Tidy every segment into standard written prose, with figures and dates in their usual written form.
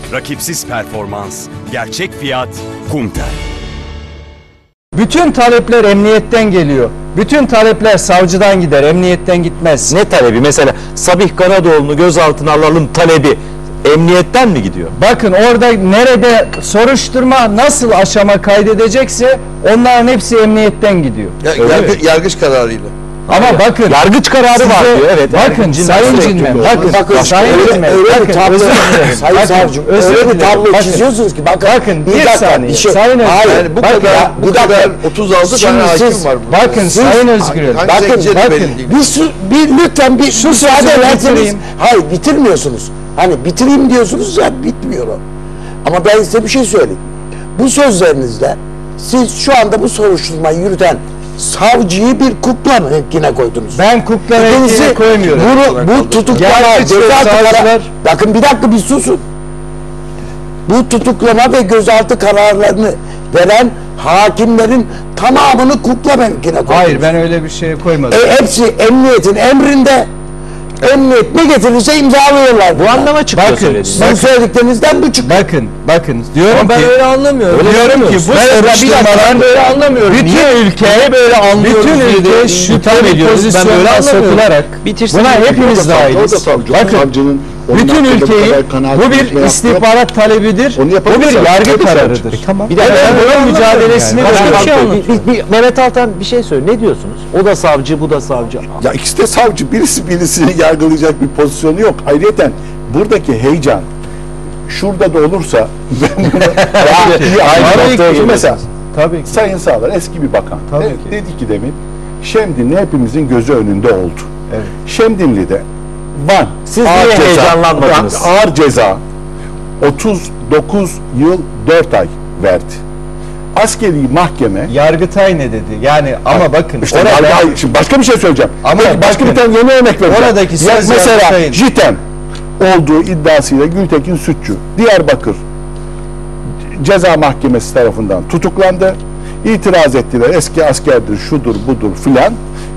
Rakipsiz performans, gerçek fiyat, Kumtel. Bütün talepler emniyetten geliyor. Bütün talepler savcıdan gider, emniyetten gitmez. Ne talebi? Mesela Sabih Karadoğlu'nu gözaltına alalım talebi emniyetten mi gidiyor? Bakın orada nerede soruşturma nasıl aşama kaydedecekse onların hepsi emniyetten gidiyor. Yargıç kararıyla. Ama bakın yargıç kararı var diyor. Evet. Bakın Sayın Cinmen, bakın Sayın Cinmen, Sayın Savcım, öyle bir tablo çiziyorsunuz ki bakın bir saniye. Sayın Özgür, bu kadar 36 tane hakim var. Bakın Sayın Özgür, lütfen bir müsaade verseniz. Hayır, bitirmiyorsunuz. Hani bitireyim diyorsunuz ya, bitmiyor o. Ama ben size bir şey söyleyeyim. Bu sözlerinizde siz şu anda bu soruşturmayı yürüten savcıyı bir kukla renkine koydunuz. Ben kukla renkine koymuyorum. Bu tutuklama, gözaltı, bakın bir dakika bir susun. Bu tutuklama ve gözaltı kararlarını veren hakimlerin tamamını kukla renkine koydunuz. Hayır, ben öyle bir şey koymadım. Hepsi emniyetin emrinde. Emniyet ne getirirse imzalıyorlar. Bu anlama çıkıyor söylediğiniz. Sizin söylediklerinizden bu çıkıyor. Bakın diyorum ama ben ki öyle anlamıyorum. Diyorum ki bu soruşturmalar böyle anlamıyorum. Bütün ülke böyle anlıyoruz. Bütün ülke şüpheli pozisyonuna sokularak buna hepimiz dahiliz. Bakın bütün ülkeyi bu bir istihbarat talebidir. Bu bir yargı kararıdır. Tamam. Bir de bunun mücadelesini Mehmet Altan bir şey söyle. Ne diyorsunuz? O da savcı, bu da savcı. Ya ikisi de savcı. Birisi birisini yargılayacak bir pozisyonu yok. Ayrıyeten buradaki heyecan şurada da olursa ben bunu mesela tabii ki. Sayın Sağlar eski bir bakan. Tabii ki. Dedi ki demin Şemdinli hepimizin gözü önünde oldu. Evet. Şemdinli'de Van Siz niye heyecanlanmadınız? Ağır ceza 39 yıl 4 ay verdi. Askeri mahkeme Yargıtay ne dedi? Yani ama bakın işte orada şimdi başka bir şey söyleyeceğim. Ama başka bir tane yeni örnek vereceğim. Oradaki söz mesela Yargıtay'ın. JITEM olduğu iddiasıyla Gültekin Sütçü Diyarbakır Ceza Mahkemesi tarafından tutuklandı. İtiraz ettiler. Eski askerdir, şudur, budur filan.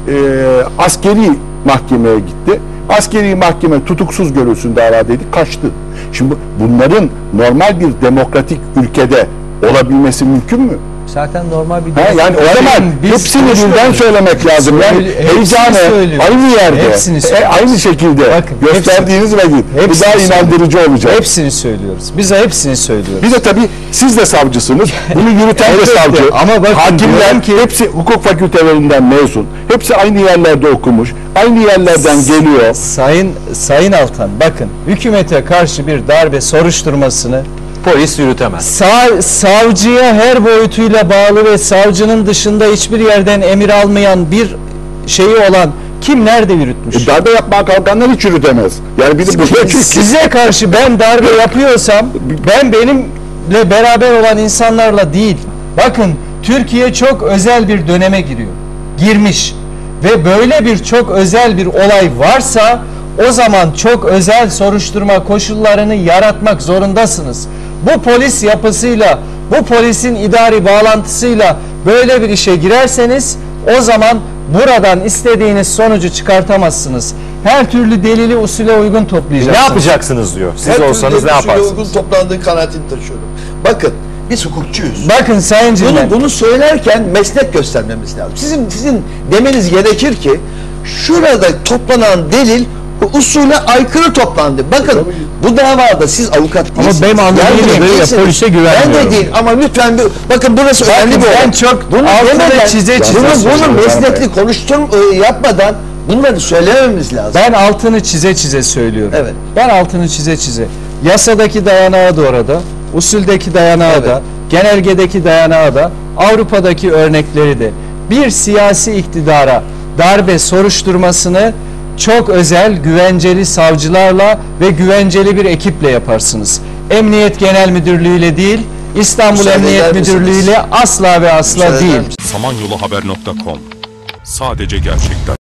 Askeri mahkemeye gitti. Askeri mahkeme tutuksuz görülsün davadaydı, kaçtı. Şimdi bunların normal bir demokratik ülkede olabilmesi mümkün mü? Zaten normal bir Yani o zaman hepsini birden söylemek lazım. Yani heyecanı aynı yerde, aynı şekilde gösterdiğiniz vakit bu daha inandırıcı olacak. Hepsini söylüyoruz. Biz de hepsini söylüyoruz. Bir de tabii siz de savcısınız. Bunu yürüten de savcı. Ama bakın, hakimler ki hepsi hukuk fakültelerinden mezun. Hepsi aynı yerlerde okumuş. Aynı yerlerden geliyor. Sayın Altan, bakın hükümete karşı bir darbe soruşturmasını polis yürütemez. Savcıya her boyutuyla bağlı ve savcının dışında hiçbir yerden emir almayan bir şeyi olan kim nerede yürütmüş? Darbe yapmaya kalkanlar hiç yürütemez. Yani size karşı ben darbe yapıyorsam ben benimle beraber olan insanlarla değil. Bakın Türkiye çok özel bir döneme girmiş ve böyle bir çok özel bir olay varsa o zaman çok özel soruşturma koşullarını yaratmak zorundasınız. Bu polis yapısıyla, bu polisin idari bağlantısıyla böyle bir işe girerseniz o zaman buradan istediğiniz sonucu çıkartamazsınız. Her türlü delili usule uygun toplayacaksınız. Ne yapacaksınız diyor. Siz olsanız ne yaparsınız? Uygun toplandığı kanaatini taşıyorum. Bakın biz hukukçuyuz. Bakın Sayın Cinmen. Bunu söylerken meslek göstermemiz lazım. Sizin demeniz gerekir ki şurada toplanan delil usule aykırı toplandı. Bakın bu davada siz avukat değilsiniz. Ama benim anladığım kadarıyla polise güvenmiyorum. Ben de değil ama lütfen bakın burası önemli bir olay. Ben çok altına çize bunu meslekli yapmadan bunları söylememiz lazım. Ben altını çize söylüyorum. Evet. Ben altını çize. Yasadaki dayanağı da orada, usuldeki dayanağı da, genelgedeki dayanağı da, Avrupa'daki örnekleri de. Bir siyasi iktidara darbe soruşturmasını çok özel, güvenceli savcılarla ve güvenceli bir ekiple yaparsınız. Emniyet Genel Müdürlüğü ile değil, İstanbul Emniyet Müdürlüğü ile asla ve asla değil. Samanyoluhaber.com. Sadece gerçekler.